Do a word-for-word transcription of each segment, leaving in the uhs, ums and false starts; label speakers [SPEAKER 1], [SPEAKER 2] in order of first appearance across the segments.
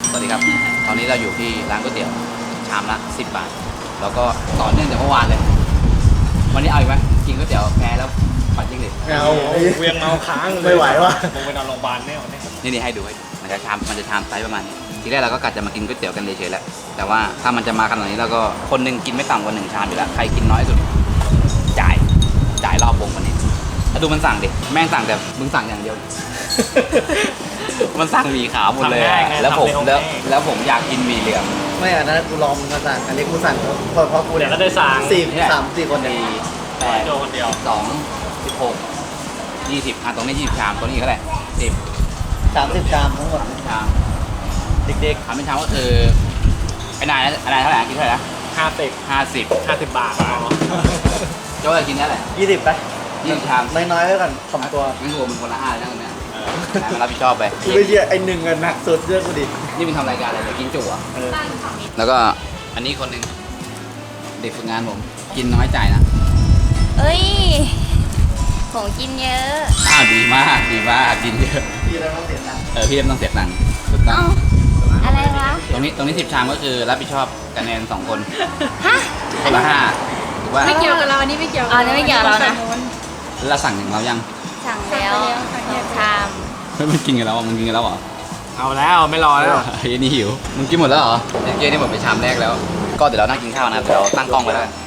[SPEAKER 1] สวัสดีครับตอนนี้เราอยู่ที่ร้านก๋วยเตี๋ยวชามละสิบบาทแล้วก็ต่อเนื่องจากเมื่อวานเลยวันนี้เอาอีกไหมกินก๋วยเตี๋ยวแพ้แล้วปัดยิ่งเลย
[SPEAKER 2] เอาเวียงเมาค้างไม่ไหววะผมไปนอนโรงพยาบาลแน่วันนี้
[SPEAKER 1] นี่นี่ให้ดูให้ดูมันจะชามมันจะชามไซส์ประมาณนี้ทีแรกเราก็กะจะมากินก๋วยเตี๋ยวกันเฉยๆแหละแต่ว่าถ้ามันจะมาขนาดนี้เราก็คนหนึ่งกินไม่ต่ำกว่าหนึ่งชามอยู่แล้วใครกินน้อยสุดจ่ายจ่ายรอบวงวันนี้แล้วดูมันสั่งดิแม่งสั่งแต่มึงสั่งอย่างเดียว มันสั่งหมี่ขาวหมดเลยแล้วผมแล้วแล้วผมอยากกินหมี่เหลือง
[SPEAKER 3] ไม่อันนั้นกูลองมาสั่งอันนี้กูสั่งเพราะเพราะกู
[SPEAKER 2] เดี๋ยวก็ได้สั่ง
[SPEAKER 3] สี่สามสี่คนเดียว
[SPEAKER 1] แปด
[SPEAKER 2] โจคนเดียว
[SPEAKER 1] สองสิบหกยี่สิบอ่ะตรงนี้ยี่สิบชามตรงนี้เท่าไหร่สิบ
[SPEAKER 3] สามสิบชามทั้งหมด
[SPEAKER 1] ชามเด็กๆทำเป็นชามก็คือไอ้นายไอ้นายเท่าไหร่กินเท่าไหร่นะ
[SPEAKER 2] ห้าสิบ
[SPEAKER 1] ห้าสิบ
[SPEAKER 2] ห้าสิบบาทอ๋อ
[SPEAKER 1] โจ้จะกินได้แหละ
[SPEAKER 3] ยี่สิบไป
[SPEAKER 1] ยี่สิบชาม
[SPEAKER 3] น้อยๆไว้ก่อนสองตัว
[SPEAKER 1] งั้นรวมเป็นคนละห้าเลยนะตรงเนี้ยนายมารับผิดชอบไป
[SPEAKER 3] กูไม่เชื่อไอ้หนึ่งอะหนักสุดเชื่อกูดิ
[SPEAKER 1] นี่มึงทำรายการอะไรเนี่ยกินจุ๋อ่ะแล้วก็อันนี้คนหนึ่งเด็กฝึกงานผมกินน้อยจ่ายนะ
[SPEAKER 4] เอ้ยของกินเยอะ
[SPEAKER 1] อ้าวดีมากดีมากกินเยอะ
[SPEAKER 3] พี่แล้วต้องเสียตังค์
[SPEAKER 1] เออพี่เอ็มต้องเสียตังค์ถูกต้อ
[SPEAKER 4] เอ้าง อะไรวะ
[SPEAKER 1] ตรงนี้ตรงนี้สิบชามก็คือรับผิดชอบคะแนนสองคน
[SPEAKER 4] ฮะ
[SPEAKER 1] คนละห้าถูกป่ะ
[SPEAKER 5] ไม่เกี่ยวกับเราอันนี้ไม่เกี่ยว
[SPEAKER 4] อ๋อนี่ไม่เกี่ยวกับเรานะ
[SPEAKER 1] แล้วสั่งหนึ่งเรายัง
[SPEAKER 4] สั่งแล้วชาม
[SPEAKER 1] เฮ้ยมันกินกันแล้วอ่ะมึงกินกันแล้วเหรอ
[SPEAKER 2] เอาแล้วไม่รอแล้ว
[SPEAKER 1] เฮ้ยนี่หิวมึงกินหมดแล้วเหรอเมื่อกี้นี่หมดไปชามแรกแล้ว ก็เดี๋ยวเรานั่งกินข้าวนะครับเดี๋ยวเราตั้งกล้องไว้แล้วกัน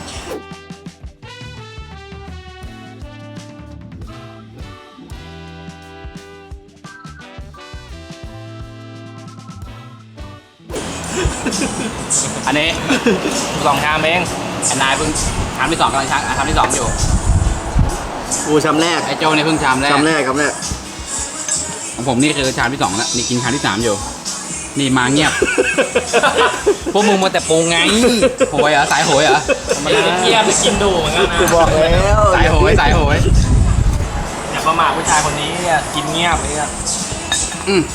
[SPEAKER 1] อันนี้
[SPEAKER 2] สองชามเอง
[SPEAKER 1] ไอ้นายเพิ่งชามที่สองกำลังชามชามที่สองอยู่
[SPEAKER 3] กูชามแรก
[SPEAKER 1] ไอ้โจเนี่ยเพิ่งชามแรก
[SPEAKER 3] ชามแรกครับเนี่ย
[SPEAKER 1] ของผมนี่คือชามที่สองแล้วนี่กินชามที่สามอยู่ นี่มาเงียบ พวกมึงมาแต่ปรุงไงโหยเหรอสายโหยเหรอ
[SPEAKER 2] มันเกียบกินดูเหมือนกันนะ
[SPEAKER 3] กูบอกแล้ว
[SPEAKER 1] สายโหยสายโหย
[SPEAKER 2] อย่าประมาทผู้ชายคนนี้เนี่ยกินเงียบเลยอะ
[SPEAKER 1] อืม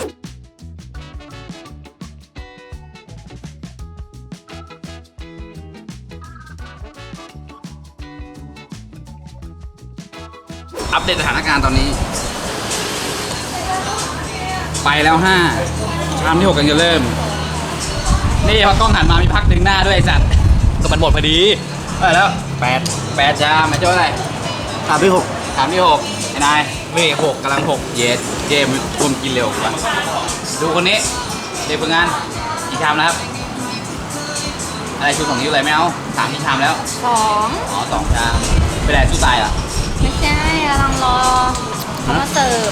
[SPEAKER 1] อัปเดตสถานการณ์ตอนนี้ ไปแล้วห้าชามที่หกกันจะเริ่ม นี่พอกล้องหันมามีพักดึงหน้าด้วยไอ้สัตว์ก็มันหมดพอดีไปแล้วแปดแปดชามไอ้โจ้อะไร
[SPEAKER 3] ชามที่หก
[SPEAKER 1] ชามที่หกไอ้นาย
[SPEAKER 2] นี่หกกำลังหก
[SPEAKER 1] เยสเจมส์คุมกินเร็วกว่าดูคนนี้เด็กฝึกงานกี่ชามแล้วครับอะไรชูสองนิ้วอะไรไม่เอาสามที่ชามแล้ว
[SPEAKER 4] สอง
[SPEAKER 1] อ๋อสองชามไปไหนสู้ตายเหรอ
[SPEAKER 4] ไม่ใช่กำลังรอเขามาเสิร์ฟ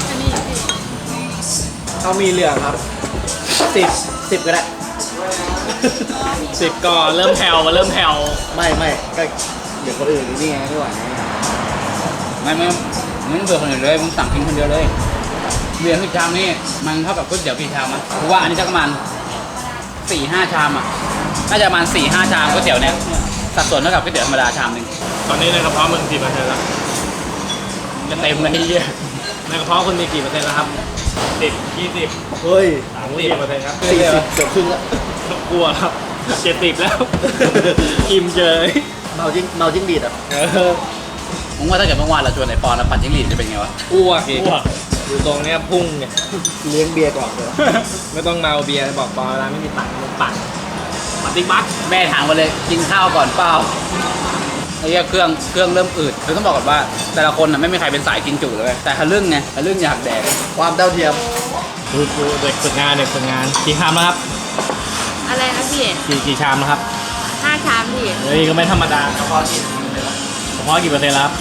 [SPEAKER 3] เขามีเหลืองครับสิบสิบก็ได้
[SPEAKER 2] สิบก่อนเริ่มแผ่วมาเริ่มแผ่ว
[SPEAKER 3] ไม่ไม่ก็เดี๋ยวคนอื่นนี่ไงไม่ไหว
[SPEAKER 1] ไม่ไม่มึงเบื่อคนอื่นเลยมึงสั่งกินคนเดียวเลยเรียนทุกชามนี่มันเท่ากับก๋วยเตี๋ยวกี่ชามอ่ะกูว่าอันนี้จะประมาณสี่ห้าชามอ่ะน่าจะประมาณสี่ห้าชามก๋วยเตี๋ยวเนี่ยสัดส่วนเท่ากับก๋วยเตี๋ยวธรรมดาชามหนึ่ง
[SPEAKER 2] ตอนนี้ในกระเพาะมึงกี่เปอร์เซ็นต์แล้ว
[SPEAKER 1] จะเต็มเลยไอ้เหี้ย
[SPEAKER 2] ในกระเพาะคุณมีกี่เปอร์เซ็นต์แล้วครับสิบยี่สิบ
[SPEAKER 3] เฮ้ย
[SPEAKER 2] สามสิบเปอร์เซ็นต์ครับ
[SPEAKER 3] สี่สิบเกือบครึ่งแล้ว
[SPEAKER 2] กลัวครับเจ็ดสิบแล้วกิมเจย
[SPEAKER 3] เมาจิ้งเมาจิ้งดีดอ่ะ
[SPEAKER 1] มึงว่าถ้าเกิดเมื่อวานเราชวนไอ้ปอนแล้วปั่นจิ้งหรีดจะเป็นไงวะ
[SPEAKER 2] อ้วกอีกอยู่ตรงเนี้ยพุ่งเนี่ย
[SPEAKER 3] เลี้ยงเบียร์ก่อนเลย
[SPEAKER 2] ไม่ต้องเมาเบียร์บอกปอเวลาไม่มีตังค์มึงปั่นปฏิบัติ
[SPEAKER 1] แม่ถามมาเลยกินข้าวก่อนเปล่าไอ้เหี้ยเครื่องเครื่องเริ่มอืดคือต้องบอกก่อนว่า แต่ละคนน่ะไม่มีใครเป็นสายกินจุเลยแต่ทะลึ่งไงทะลึ่งอยากแดก
[SPEAKER 3] ความเท่าเทียม
[SPEAKER 2] ดูดูเด็กฝึกงานเด็กฝึกงานกี่ชามแล้วครับ
[SPEAKER 4] อะไรนะพี่
[SPEAKER 2] กี่กี่ชามแล้วครับ
[SPEAKER 4] ห้าชามพี่
[SPEAKER 2] เฮ้ยก็ไม่ธรรมดาเฉพาะกี่เฉพาะกี่เปอร์เซ็นต์แล้วครับ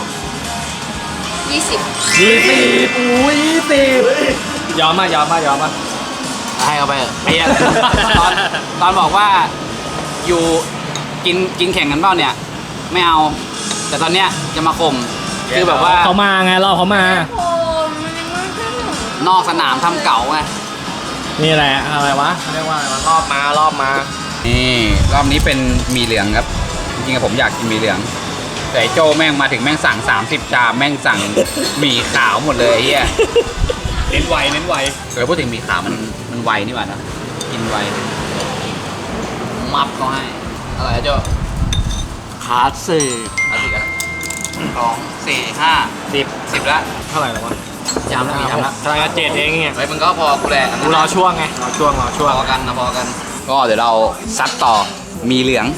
[SPEAKER 4] ยี่สิบ
[SPEAKER 2] ยี่สิบอุ้ยยี่สิบยอมมายอมมายอมมา
[SPEAKER 1] ให้เขาไปเถอะไอ้เหี้ยตอนตอนบอกว่าอยู่กินกินแข่งกันเปล่าเนี่ยไม่เอา แต่ตอนเนี้ยจะมาข่มคือแบบว่า
[SPEAKER 2] เขามาไงรอเขามา
[SPEAKER 4] โอ้มันยังไม่ขึ้น
[SPEAKER 1] นอกสนามทำเก๋าไง
[SPEAKER 2] นี่แหละอะไรวะเรียกว่าอะไรวะรอบมารอบมา
[SPEAKER 1] นี่รอบนี้เป็นหมีเหลืองครับจริงๆผมอยากกินหมีเหลืองแต่ไอ้โจแม่งมาถึงแม่งสั่งสามสิบจานแม่งสั่งหมี่ขาวหมดเลยไอ้เฮีย
[SPEAKER 2] เน้นไวเน้นไว
[SPEAKER 1] เออพูดถึงหมี่ขาวมันมันไวนี่หว่านะกินไวมับก็ให้อะไรนะโจ
[SPEAKER 3] ขาดสี่
[SPEAKER 1] เอาสิกันสองสี่ห้า
[SPEAKER 2] สิบ
[SPEAKER 1] สิบละ
[SPEAKER 2] เท่าไหร่แล้ววะ
[SPEAKER 1] ชามแล้วกี่ชามแล้ว
[SPEAKER 2] กำลังจะเจ็ดเองเนี่ย
[SPEAKER 1] เฮ้ยมึงก็พอกูแหละ
[SPEAKER 2] กูรอช่วงไงรอช่วงรอช่วง
[SPEAKER 1] พอกันนะพอกัน ก็เดี๋ยวเราซัดต่อมีเหลือง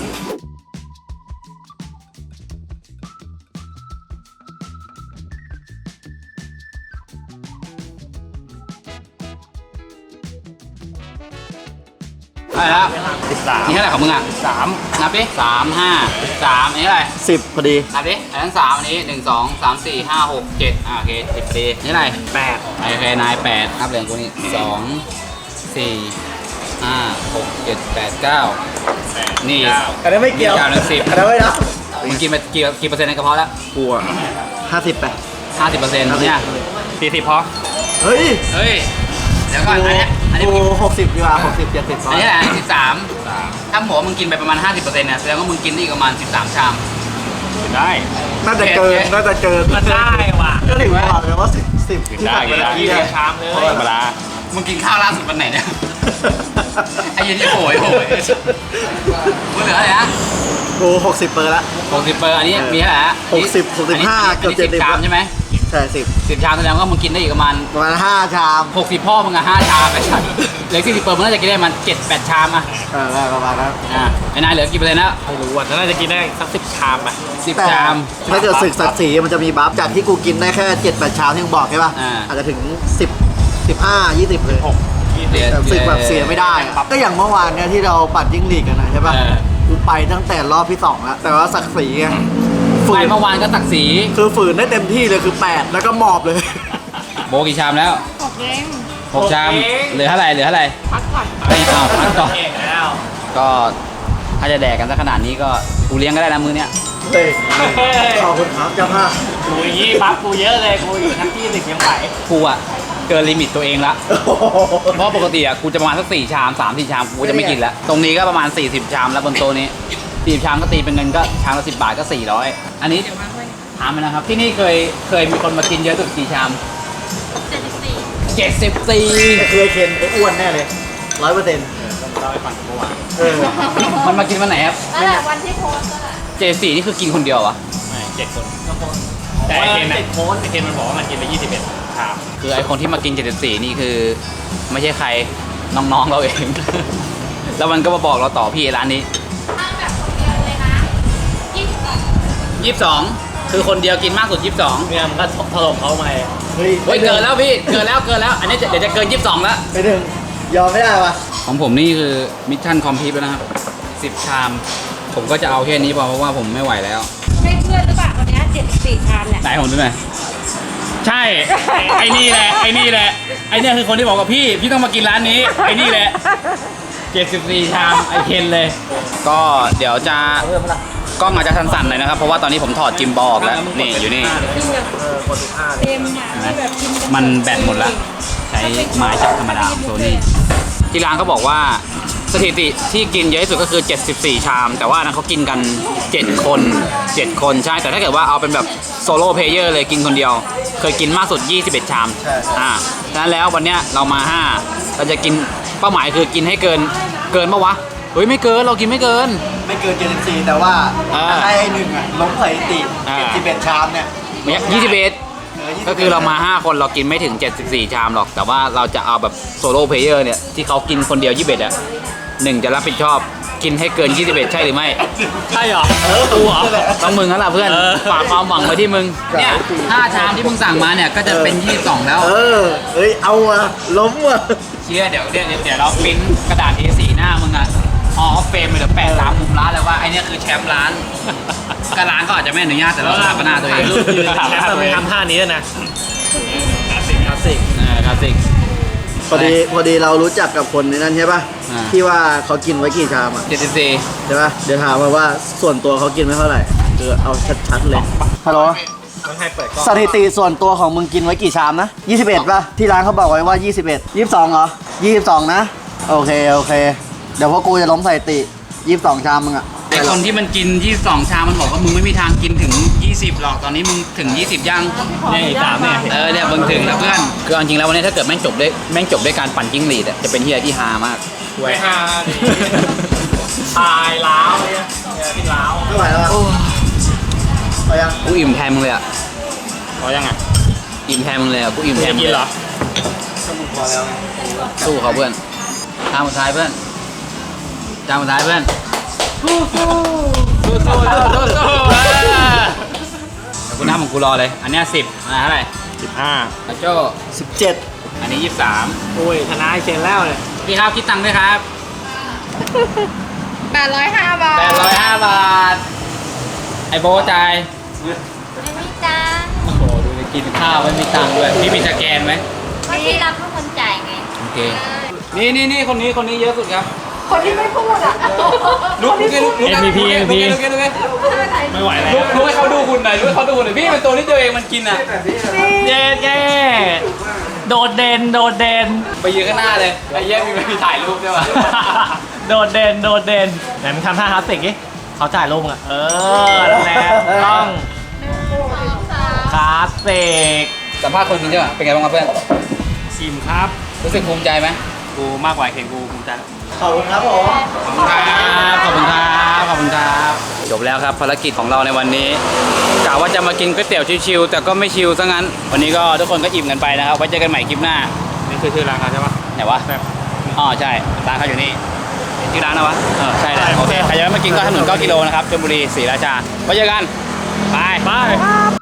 [SPEAKER 1] อะไรละ
[SPEAKER 2] สิบสาม
[SPEAKER 1] นี่เท่าไหร่ของมึงอ่ะ
[SPEAKER 2] สาม
[SPEAKER 1] นับดิสามห้าสามอันนี้อะไร
[SPEAKER 3] สิบพอดี
[SPEAKER 1] นับดิอันนั้นสามอันนี้หนึ่งสองสามสี่ห้าหกเจ็ดอ่าโอเคสิบพอดีนี่อะไร
[SPEAKER 2] แปด
[SPEAKER 1] โอเคนายแปดนับเหลืองกูนี่สองสี่ห้าหกเจ็ดแปดเก้านี่
[SPEAKER 3] อันนั้นไม่เกี่ยว
[SPEAKER 1] เก้าหนึ่งสิบ
[SPEAKER 3] อันนั้นไม่นะ
[SPEAKER 1] มึงกินไปกี่กี่เปอร์เซ็นต์ในกระเพาะแล้ว
[SPEAKER 3] กูอ่ะห้าสิบไป
[SPEAKER 1] ห้าสิบเปอร์เซ็นต์เนี่ย
[SPEAKER 2] สี่สิบพอ
[SPEAKER 3] เฮ้ย
[SPEAKER 1] เฮ้ยเดี๋ยวก่อนอันเนี้ยอันนี้
[SPEAKER 3] กู
[SPEAKER 1] มึง
[SPEAKER 3] หกสิบดีกว่าหกสิบเจ็ดสิบ
[SPEAKER 1] อันนี้แหละสิบสามถ้าหมูมึงกินไปประมาณห้าสิบเปอร์เซ็นต์เนี่ยแสดงว่ามึงกินได้อีกประมาณสิบสามชาม
[SPEAKER 2] ได้
[SPEAKER 3] น่าจะเกินน่าจะเกิน
[SPEAKER 2] มันได้ว่ะ
[SPEAKER 3] ก็ถึงบอกเลยว่าสิบสิบที่
[SPEAKER 2] ได้
[SPEAKER 3] ผ่านไป
[SPEAKER 2] ได้
[SPEAKER 3] แล้ว
[SPEAKER 2] ยี่
[SPEAKER 3] ที่
[SPEAKER 2] สิบชามเลยธรรมดา
[SPEAKER 1] มึงกินข้าวล่าสุดวันไหนเนี่ยไอ้เหี้ยันนี่โหยโหยมึงเหลืออะไรนะ
[SPEAKER 3] กูหกสิบเปอร์ละ
[SPEAKER 1] หกสิบเปอร์อันนี้มีเท่าไหร่ฮะ
[SPEAKER 3] หกสิบหกสิบห้า
[SPEAKER 1] อันนี้
[SPEAKER 3] เกือบเจ็ดสิบ
[SPEAKER 1] ชามใช่ไหม
[SPEAKER 3] ใช่สิบ
[SPEAKER 1] สิบชามแสดงว่ามึงกินได้อีกประมาณ
[SPEAKER 3] ประมาณห้าชาม
[SPEAKER 1] หกสิบพ่อมึงอะห้าชามไอ้สัสเหลือสี่สิบเปอร์มึงน่าจะกินได้มันเจ็ดแปดชามอะ
[SPEAKER 3] เออได้ประมาณนั้น
[SPEAKER 1] อ่าไอ้นายเหลือกี่เปอร์เซ็นต์แล้ว
[SPEAKER 2] ไม่รู้อ่ะน่าจะกินได้สักสิบชามอ่ะ
[SPEAKER 1] สิบ
[SPEAKER 3] แต่
[SPEAKER 1] ชาม
[SPEAKER 3] ถ้าเกิดศึกศักดิ์ศรีมันจะมีบัฟจากที่กูกินได้แค่เจ็ดแปดชามที่มึงบอกใช่ป่ะ
[SPEAKER 1] อ่า
[SPEAKER 3] อาจจะถึงสิบสิบห้ายี่สิบเลย
[SPEAKER 2] หกยี่สิบ
[SPEAKER 3] แต่ศึกแบบเสียไม่ได้อะก็อย่างเมื่อวานเนี่ยที่เราปัดจิ้งหรีดกันนะใช่ป่ะ
[SPEAKER 1] เออ
[SPEAKER 3] กูไปตั้งแต่รอบที่สองแล้วแต่ว่าศักดิ์ศรีไงฝื
[SPEAKER 1] ไป
[SPEAKER 3] น
[SPEAKER 1] เมื่อวานก็ตักสี
[SPEAKER 3] คือฝืนได้เต็มที่เลยคือแปดแล้วก็หมอบเลย
[SPEAKER 1] โบกี่ชามแล้ว
[SPEAKER 4] หกเอง
[SPEAKER 1] หกชามเหลือเท่าไหร่เหลือเท่าไหร่
[SPEAKER 4] พักก่อน
[SPEAKER 1] ไม่เอาพักต่อ
[SPEAKER 2] เก่งแล้ว
[SPEAKER 1] ก็ถ้าจะแดกกันสักขนาดนี้ก็กูเลี้ยงก็ได้นะมือเนี้ย
[SPEAKER 3] เฮ้ยขอบคุณครับเจ้าภาพ
[SPEAKER 2] กูอย่างงี้ปั๊บกูเยอะเลยกูอยู่ทั้งที่หนึ่งยังไหว
[SPEAKER 1] กูอะเกินลิมิตตัวเองละเพราะปกติอะกูจะประมาณสักสี่ชามสามสี่ชามกูจะไม่กินแล้วตรงนี้ก็ประมาณสี่สิบชามแล้วบนโต๊ะนี้สี่ชามก็ตีเป็นเงินก็ชามละสิบบาทก็สี่ร้อยอันนี้ถามไปนะครับที่นี่เคยเคยมีคนมากินเยอะสุดกี่ชาม
[SPEAKER 4] เจ็ดสิบสี่
[SPEAKER 1] เจ็ดสิบสี่
[SPEAKER 3] เคยเคนไอ้อ้วนแน่เลยร้อยเปอร์เซ็นต์
[SPEAKER 2] เราไปฝั่งเมื่อวาน
[SPEAKER 3] เออ
[SPEAKER 1] มันมากินวันไหนครับ
[SPEAKER 4] นั่นแหละวันที่โพสต์นั่นแหละ
[SPEAKER 1] เจ็ดสี่นี่คือกินคนเดียวอะ
[SPEAKER 2] ไม่เจ็ดคนแต่ไอเคนไอโค้ดไอเคนมันบอกว่ามันกินไปยี่สิบเอ็ดชาม
[SPEAKER 1] คือไอคนที่มากินเจ็ดสิบสี่นี่คือ ไม่ใช่ใครน้องๆเราเอง แล้วมันก็มาบอกเราต่อพี่ร้านนี้
[SPEAKER 4] ถ้าแบบคนเดียวเลยนะยี่สิบสอง
[SPEAKER 1] ยี่สิบสองคือคนเดียวกินมากสุดยี่สิบสอง
[SPEAKER 2] เนี่ยมันก็ถล่มเขามา
[SPEAKER 3] เฮ้ย
[SPEAKER 1] เฮ้ยเกินแล้วพี่เกินแล้วเกินแล้ว อันนี้จะเดี๋ยวจะเกินยี่สิบสองแล้ว
[SPEAKER 3] ไปหนึ่งยอมไม่ได้วะ
[SPEAKER 1] ของผมนี่คือมิชชั่นคอมพลีทแล้วนะครับสิบชาม ผมก็จะเอาแค่นี้พอเพราะว่าผมไม่ไหวแล้ว
[SPEAKER 4] ใช่เพื่อนหรือเปล่าคนนี้เจ็ดสิบสี่ชามเนี่ย
[SPEAKER 1] ไหนผมดูหน่อยใช่ ไอ้นี่แหละไอ้นี่แหละไอ้เนี่ยคือคนที่บอกกับพี่พี่ต้องมากินร้านนี้ไอ้นี่แหละเจ็ดสิบสี่ชามไอเคนเลย ก็เดี๋ยวจะกล้องอาจจะสั่นๆหน่อยนะครับเพราะว่าตอนนี้ผมถอดจิมบอลออกแล้วนี่อยู่นี่
[SPEAKER 2] เออคนสิบห้าเลย
[SPEAKER 4] เต็มอ่ะที่แบบกินกั
[SPEAKER 1] มันแบตหมดแล้วใช้ไม้จับธรรมดาของโซนี่ที่ร้านเขาบอกว่าสถิติที่กินเยอะที่สุดก็คือเจ็ดสิบสี่ชาม แต่ว่านั้นเขากินกันเจ็ดคนเจ็ดคนใช่แต่ถ้าเกิดว่าเอาเป็นแบบโซโล่เพลเยอร์เลยกินคนเดียว เคยกินมากสุดยี่สิบเอ็ดชามอ่าฉะนั้นแล้ววันเนี้ยเรามาห้าเราจะกินเป้าหมายคือกินให้เกินเกินปะวะเฮ้ยไม่เกินเรากินไม่เกิน
[SPEAKER 3] ไม่เกินเจ็ดสิบสี่แต่ว่า
[SPEAKER 1] เออ
[SPEAKER 3] ให้ไอ้หนึ่งอะล้มสถิติ
[SPEAKER 1] อ่า
[SPEAKER 3] เจ็ดสิบเอ็ดชามเนี่ย
[SPEAKER 1] ยี่สิบเอ็ด
[SPEAKER 3] เออยี่สิบ
[SPEAKER 1] ก็คือเรามาห้าคนเรากินไม่ถึงเจ็ดสิบสี่ชามหรอก แต่ว่าเราจะเอาแบบโซโล่เพลเยอร์เนี่ยที่เขากินคนเดียวยี่สิบเอ็ดอ่ะหนึ่งจะรับผิดชอบกินให้เกินยี่สิบเอ็ดใช่หรือไม่
[SPEAKER 2] ใช่เหรอ
[SPEAKER 3] เออ
[SPEAKER 2] กูเหรอ
[SPEAKER 1] ต้องมึงแล้วล่ะเพื่อน
[SPEAKER 2] เออ
[SPEAKER 1] ฝากความหวังไว้ที่มึงเนี่ยห้าชามที่มึงสั่งมาเนี่ยก็จะเป็นยี่สิบสองแล้ว
[SPEAKER 3] เออเอ้ยเอาอะล้มอะ
[SPEAKER 1] เชื่อเดี๋ยวเดี๋ยวเดี๋ยวเราปริ้นกระดาษ เอ สี่ หน้ามึงอ่ะฮอลเฟมไปเดี๋ยวแปะตามมุมร้านเลยว่าไอเนี่ยคือแชมป์ร้านก็ร้านก็อาจจะไม่อนุญาตแต่เราสถาปนาตัวเอ
[SPEAKER 2] ถ่าย
[SPEAKER 1] ง
[SPEAKER 2] รูปยืนแชมป์เราไม่ทำท่านี้ด้วยนะคลาสสิกคลาสสิก
[SPEAKER 1] อ่าคลาสสิก
[SPEAKER 3] พอดีพอดีเรารู้จักกับคนในนั้นใช่ป่ะ
[SPEAKER 1] อ่า
[SPEAKER 3] ที่ว่าเขากินไว้กี่ชามอะ
[SPEAKER 1] เจ็ดสิบสี่
[SPEAKER 3] ใช่ป่ะเดี๋ยวถามมาว่าส่วนตัวเขากินไม่เท่าไหร่คือเอาชัดๆเลยฮัลโหล
[SPEAKER 2] ต้องให้เปิดกล้อง
[SPEAKER 3] สถิติส่วนตัวของมึงกินไว้กี่ชามนะยี่สิบเอ็ดป่ะที่ร้านเขาบอกไว้ว่ายี่สิบเอ็ด ยี่สิบสองเหรอยี่สิบสองนะโอเคโอเคเดี๋ยวพวกกูจะล้มสถิติยี่สิบสองชามมึงอะ
[SPEAKER 1] ไอคนที่มันกินยี่สิบสองชามมันบอกว่ามึงไม่มีทางกินถึงยี่สิบหรอกตอนนี้มึงถึงยี่สิบยัง
[SPEAKER 2] เนี่ยอีกสามเนี่ย
[SPEAKER 1] เออเนี่ยมึงถึงแล้วเพื่อนคือเอาจริงแล้ววันนี้ถ้าเกิดแม่งจบด้วยแม่งจบด้วยการปั่นจิ้งหรีดอะจะเป็นเฮียที่ฮามาก
[SPEAKER 2] ไว้ห้าดิตายล้าวเนี่ยเนี่ยพี่ล้าว
[SPEAKER 3] ไม่ไหวแล้วอะ
[SPEAKER 1] โอ้
[SPEAKER 3] เอายัง
[SPEAKER 1] กูอิ่มแทนมึงเลยอะ
[SPEAKER 2] พอยังไง
[SPEAKER 1] ออิ่มแทนมึงเลยอ่ะกูอิ่มแทนมึง
[SPEAKER 2] กินเหรอ
[SPEAKER 1] สู้เขาเพื่อนทางสุดท้ายเพื่อนจานสุดท้ายเพื่อนสู้สู้สู้สู้สู้สู้เดี๋ยวกูนับของกูรอเลย อันเนี้ยสิบอันเท่าไหร่
[SPEAKER 2] สิบห้า
[SPEAKER 1] อาโจ้
[SPEAKER 3] สิบเจ็ด
[SPEAKER 1] อันนี้ยี่สิบสาม
[SPEAKER 2] โอ้ยชนะไอ้เชนแล้วเลย
[SPEAKER 1] พี่ครับคิดตังค์ด้วยครับ
[SPEAKER 4] แปดร้อยห้าบาท
[SPEAKER 1] แปดร้อยห้าบาทไอโบจ่าย
[SPEAKER 4] ไม่มีจ้า
[SPEAKER 1] โอ้โหดูไปกินข้าวไม่มีตังค์ด้วยพี่มีสแกนไหม
[SPEAKER 4] ก็ที่รับเป็นคนจ่ายไง
[SPEAKER 1] โอเคนี่นี่นี่คนนี้คนนี้เยอะสุดครับ
[SPEAKER 4] คนที่ไม่พูดอ่ะ
[SPEAKER 1] ลุกลุกลุกลุกลุกลุกลุกลุกลุก
[SPEAKER 2] ไม่ไหวแล้ว
[SPEAKER 1] ลุกลุกให้เขาดูคุณหน่อยลุกให้เขาดูหน่อยพี่เป็นตัวที่ตัวเองมันกินอ่ะ
[SPEAKER 2] เย้เย้โดดเด่นโดดเด่น
[SPEAKER 1] ไปยืนข้างหน้าเลยไอ้เยี่ยมีมีถ่ายรูปด้วยวะ
[SPEAKER 2] โดดเด่นโดดเด่นไหนมึงทำท่าคลาสสิกดิเขาจ่ายลงอ่ะ เออนั่นแหละต้องคลาสสิก
[SPEAKER 1] สัมภาษณ์คนกินใช่ไหมเป็นไงบ้างครับเพื่อน
[SPEAKER 2] ชิมครับ
[SPEAKER 1] รู้สึกภูมิใจไหม
[SPEAKER 2] กูมากกว่าเคนกูภูมิใจ
[SPEAKER 3] ขอบคุณครับผม
[SPEAKER 1] ขอบคุณครับขอบคุณครับขอบคุณครับจบแล้วครับภารกิจของเราในวันนี้กะว่าจะมากินก๋วยเตี๋ยวชิวๆแต่ก็ไม่ชิวซะงั้นวันนี้ก็ทุกคนก็อิ่มกันไปนะครับไว้เจอกันใหม่คลิปหน้า
[SPEAKER 2] นี่คือชื่อร้านเขาใช่ปะ
[SPEAKER 1] ไหนวะ
[SPEAKER 2] แบบ
[SPEAKER 1] อ๋อใช่ร้านเขาอยู่นี่ชื่อร้านนะวะเออใช่แหละ
[SPEAKER 2] ใช่
[SPEAKER 1] โอเคใครจะมากินก็ถนนเก้ากิโลนะครับชลบุรีศรีราชาไว้เจอกันบาย
[SPEAKER 2] ไป